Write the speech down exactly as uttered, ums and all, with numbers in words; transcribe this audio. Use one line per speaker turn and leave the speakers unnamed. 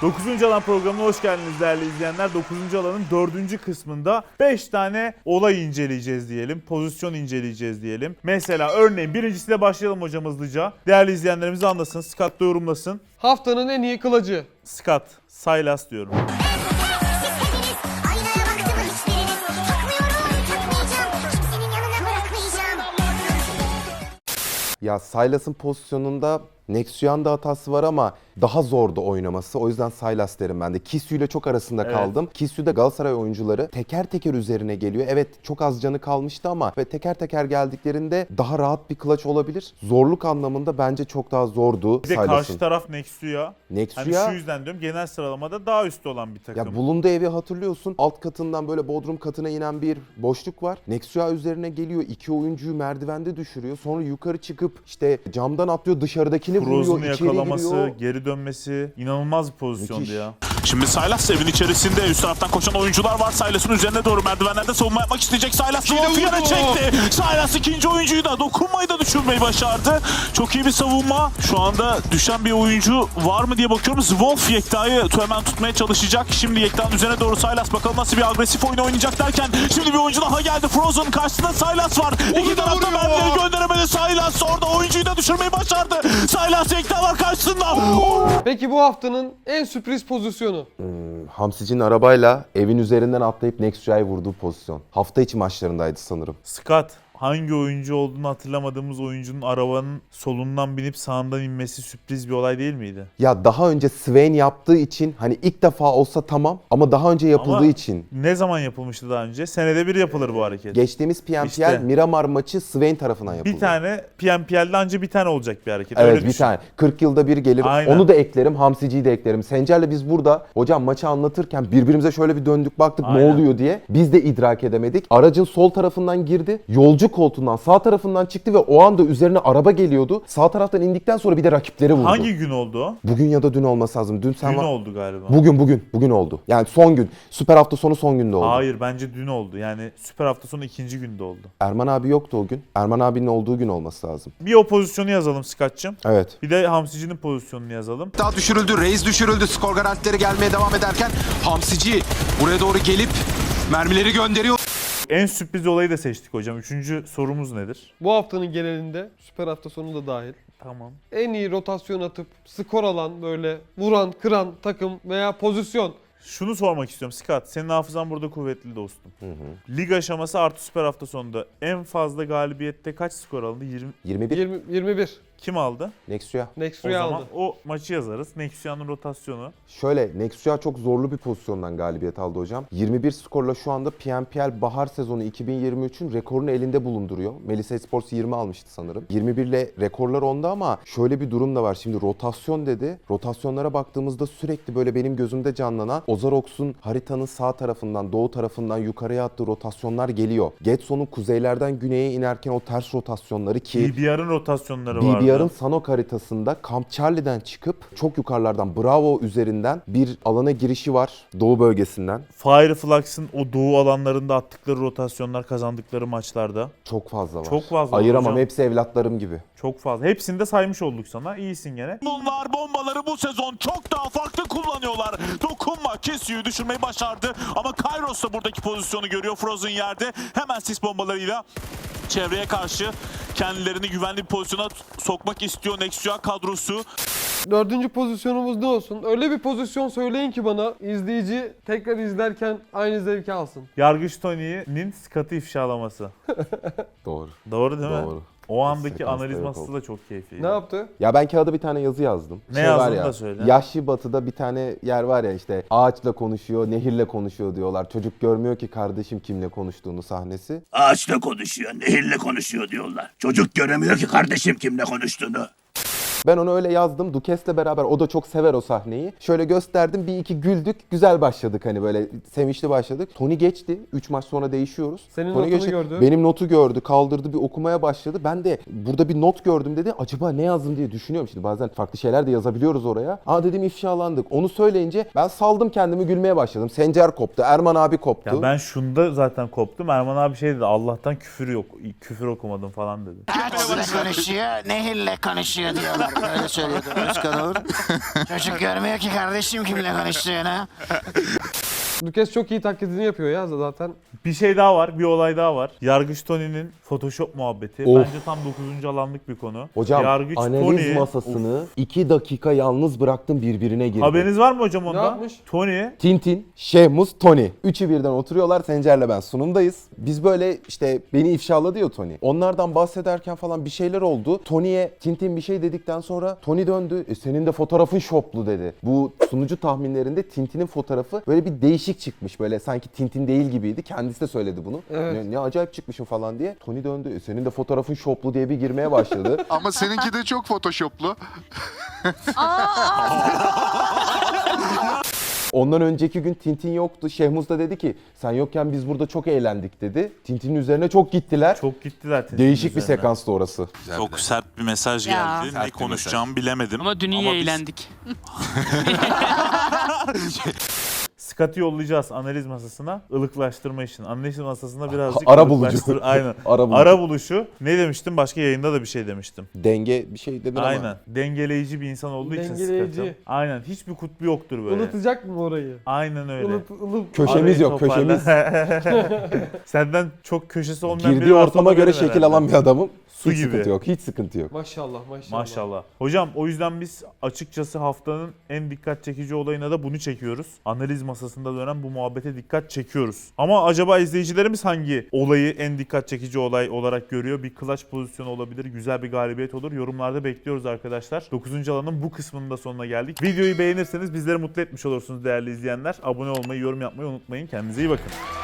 dokuzuncu alan programına hoş geldiniz değerli izleyenler. dokuzuncu alanın dördüncü kısmında beş tane olay inceleyeceğiz diyelim. Pozisyon inceleyeceğiz diyelim. Mesela örneğin birincisiyle başlayalım hocam hızlıca. Değerli izleyenlerimiz anlasın. Scott da yorumlasın.
Haftanın en iyi kılıcı.
Scott, Sylas diyorum.
Ya Sylas'ın pozisyonunda Nexuyan da hatası var ama daha zordu oynaması. O yüzden Sylas derim ben de. Kisyu ile çok arasında
Evet.
kaldım. Kisyu'da Galatasaray oyuncuları teker teker üzerine geliyor. Evet çok az canı kalmıştı ama ve teker teker geldiklerinde daha rahat bir clutch olabilir. Zorluk anlamında bence çok daha zordu
Bir de karşı
Sylas'ın.
taraf Nexuya. Hani
Nexuya
şu yüzden diyorum genel sıralamada daha üstte olan bir takım.
ya bulunduğu evi hatırlıyorsun. Alt katından böyle bodrum katına inen bir boşluk var. Nexuya üzerine geliyor. İki oyuncuyu merdivende düşürüyor. Sonra yukarı çıkıp işte camdan atlıyor. Dışarıdakini vuruyor.
Frozun'u
İçeri
yakalaması,
giriyor.
geri dönmesi inanılmaz bir pozisyondu
Müthiş.
ya.
Şimdi Sylas evin içerisinde üst taraftan koşan oyuncular var. Sylas'ın üzerine doğru merdivenlerde savunma yapmak isteyecek. Sylas Wolf'u çekti. Sylas ikinci oyuncuyu da dokunmayı da düşürmeyi başardı. Çok iyi bir savunma. Şu anda düşen bir oyuncu var mı diye bakıyoruz. Wolf Yekta'yı hemen tutmaya çalışacak. Şimdi Yekta'nın üzerine doğru Sylas bakalım nasıl bir agresif oyun oynayacak derken şimdi bir oyuncu daha geldi. Frozen karşısında Sylas var. İki tarafta mermileri gönderemedi. Sylas orada oyuncuyu da düşürmeyi başardı. Sylas Yekta var karşısında.
Peki bu haftanın en sürpriz pozisyonu.
Hamsic'in arabayla evin üzerinden atlayıp Nexua'yı vurduğu pozisyon. Hafta içi maçlarındaydı sanırım.
Scott, hangi oyuncu olduğunu hatırlamadığımız oyuncunun arabanın solundan binip sağından inmesi sürpriz bir olay değil miydi?
Ya daha önce Swain yaptığı için hani ilk defa olsa tamam ama daha önce yapıldığı
Ama
için.
ne zaman yapılmıştı daha önce? Senede bir yapılır bu hareket.
Geçtiğimiz P M P L
İşte.
Miramar maçı Swain tarafından yapıldı.
Bir tane P M P L'de anca bir tane olacak bir hareket.
Evet
Öyle
bir
düşün.
tane. kırk yılda bir gelir.
Aynen.
Onu da eklerim. Hamsici'yi de eklerim. Sencer'le biz burada hocam maçı anlatırken birbirimize şöyle bir döndük baktık
Aynen.
ne oluyor diye. Biz de idrak edemedik. Aracın sol tarafından girdi. Yolcu koltuğundan sağ tarafından çıktı ve o anda üzerine araba geliyordu. Sağ taraftan indikten sonra bir de rakipleri vurdu.
Hangi gün oldu o?
Bugün ya da dün olması lazım. Dün sen
Dün
var-
oldu galiba.
Bugün bugün. Bugün oldu. Yani son gün. Süper hafta sonu son günde oldu.
Hayır bence dün oldu. Yani süper hafta sonu ikinci günde oldu.
Erman abi yoktu o gün. Erman abinin olduğu gün olması lazım.
Bir o pozisyonu yazalım Scott'cığım.
Evet.
Bir de Hamsici'nin pozisyonunu yazalım.
Daha düşürüldü. Reis düşürüldü. Skor garantileri gelmeye devam ederken Hamsici buraya doğru gelip mermileri gönderiyor.
En sürpriz olayı da seçtik hocam. Üçüncü sorumuz nedir?
Bu haftanın genelinde süper hafta sonu da dahil.
Tamam.
En iyi rotasyon atıp skor alan böyle vuran, kıran takım veya pozisyon.
Şunu sormak istiyorum Scott. Senin hafızan burada kuvvetli dostum. Lig aşaması artı süper hafta sonunda en fazla galibiyette kaç skor alındı? yirmi.
yirmi bir.
yirmi, yirmi bir.
Kim aldı?
Nexuya.
O
Nexuya
zaman
aldı.
o maçı yazarız. Nexua'nın rotasyonu.
Şöyle Nexuya çok zorlu bir pozisyondan galibiyet aldı hocam. yirmi bir skorla şu anda P M P L bahar sezonu iki bin yirmi üçün rekorunu elinde bulunduruyor. Melisa Sports yirmi almıştı sanırım. yirmi bir ile rekorlar onda ama şöyle bir durum da var. Şimdi rotasyon dedi. Rotasyonlara baktığımızda sürekli böyle benim gözümde canlanan Ozarox'un haritanın sağ tarafından, doğu tarafından yukarıya attığı rotasyonlar geliyor. Getson'un kuzeylerden güneye inerken o ters rotasyonları ki
B B R'ın rotasyonları vardı.
B B R'ın Sanok haritasında Camp Charlie'den çıkıp çok yukarılardan Bravo üzerinden bir alana girişi var doğu bölgesinden.
Fireflux'ın o doğu alanlarında attıkları rotasyonlar kazandıkları maçlarda.
Çok fazla var.
Çok fazla var
Ayıramam,
hocam.
hepsi evlatlarım gibi.
Çok fazla. Hepsini de saymış olduk sana. İyisin gene.
Bunlar bombaları bu sezon çok daha farklı kullanıyorlar. Dokunma Kisyu'yu düşürmeyi başardı. Ama Kairos da buradaki pozisyonu görüyor. Frozen yerde hemen sis bombalarıyla çevreye karşı kendilerini güvenli bir pozisyona sokmak istiyor Nexua kadrosu.
Dördüncü pozisyonumuz ne olsun? Öyle bir pozisyon söyleyin ki bana izleyici tekrar izlerken aynı zevki alsın.
Yargıç Tony'nin Scott'ı ifşalaması.
Doğru.
Doğru değil mi?
Doğru.
O andaki
Sekansta
analiz
yok
masası
oldu.
da çok keyifliydi.
Ne yaptı?
Ya ben kağıda bir tane yazı yazdım.
Ne yazdın
var ya,
da söyle.
Yaşlı Batı'da bir tane yer var ya işte ağaçla konuşuyor, nehirle konuşuyor diyorlar. Çocuk görmüyor ki kardeşim kimle konuştuğunu sahnesi.
Ağaçla konuşuyor, nehirle konuşuyor diyorlar. Çocuk göremiyor ki kardeşim kimle konuştuğunu.
Ben onu öyle yazdım. Dukes'le beraber o da çok sever o sahneyi. Şöyle gösterdim. Bir iki güldük. Güzel başladık hani böyle sevinçli başladık. Tony geçti. üç maç sonra değişiyoruz.
Senin
Tony
notunu gördü.
Benim notu gördü. Kaldırdı bir okumaya başladı. Ben de burada bir not gördüm dedi. Acaba ne yazdım diye düşünüyorum. Şimdi bazen farklı şeyler de yazabiliyoruz oraya. Aa dedim ifşalandık. Onu söyleyince ben saldım kendimi gülmeye başladım. Sencer koptu. Erman abi koptu.
Ya ben şunda zaten koptum. Erman abi şey dedi. Allah'tan küfür yok. Küfür okumadım falan dedi.
Ağaçla konuşuyor, nehirle konuşuyor diyorlar.
Öyle söylüyordu Özkan Uğur. Çocuk görmüyor ki kardeşim kimle konuştuğunu.
Lucas çok iyi taklidini yapıyor ya zaten.
Bir şey daha var, bir olay daha var. Yargıç Tony'nin Photoshop muhabbeti.
Of.
Bence tam dokuzuncu alanlık bir konu.
Hocam
Yargıç
analiz
Tony-
masasını iki dakika yalnız bıraktım, birbirine girdi.
Haberiniz var mı hocam
Ne
onda?
yapmış?
Tony
Tintin, Şehmuz, Tony. Üçü birden oturuyorlar. Sencer'le ben sunumdayız. Biz böyle işte beni ifşaladı ya Tony. Onlardan bahsederken falan bir şeyler oldu. Tony'ye Tintin bir şey dedikten sonra Tony döndü. E, senin de fotoğrafın şoplu dedi. Bu sunucu tahminlerinde Tintin'in fotoğrafı böyle bir değişik çıkmış. Böyle sanki Tintin değil gibiydi. Kendisi de söyledi bunu.
Evet.
Ne, ne acayip çıkmışım falan diye. Tony döndü. E, senin de fotoğrafın şoplu diye bir girmeye başladı.
Ama seninki de çok photoshoplu.
Ondan önceki gün Tintin yoktu. Şehmuz da dedi ki sen yokken biz burada çok eğlendik dedi. Tintin'in üzerine çok gittiler.
çok gittiler. Tintin
Değişik bir
üzerine.
sekanstı orası.
Çok sert bir mesaj
Ya.
geldi.
Sert
Ne
bir
konuşacağımı bilemedim.
Ama dün iyi
biz-
eğlendik.
Scott'ı yollayacağız analiz masasına. Ilıklaştırma için. Analiz masasına birazcık
Ara bulucu.
ılıklaştır- Aynen.
Ara bulucu.
Ara buluşu. Ne demiştim? Başka yayında da bir şey demiştim.
Denge bir şey dedin ama.
Aynen. Dengeleyici bir insan olduğu için
Dengeleyici.
Scott'ım. Aynen. Hiçbir kutbu yoktur böyle.
Unutacak mı orayı?
Aynen öyle.
Ilıp, ılıp.
Köşemiz
Arayı
yok,
toparla.
köşemiz.
Senden çok köşesi olmayan biri
Girdiği
varsa
ortama
da
göre
benim
şekil
herhalde.
alan bir adamım.
Su
hiç
gibi.
sıkıntı yok, hiç sıkıntı yok.
Maşallah maşallah.
Maşallah. Hocam o yüzden biz açıkçası haftanın en dikkat çekici olayına da bunu çekiyoruz. Analiz masasında dönen bu muhabbete dikkat çekiyoruz. Ama acaba izleyicilerimiz hangi olayı en dikkat çekici olay olarak görüyor? Bir clutch pozisyonu olabilir, güzel bir galibiyet olur. Yorumlarda bekliyoruz arkadaşlar. dokuzuncu alanın bu kısmının da sonuna geldik. Videoyu beğenirseniz bizleri mutlu etmiş olursunuz değerli izleyenler. Abone olmayı, yorum yapmayı unutmayın. Kendinize iyi bakın.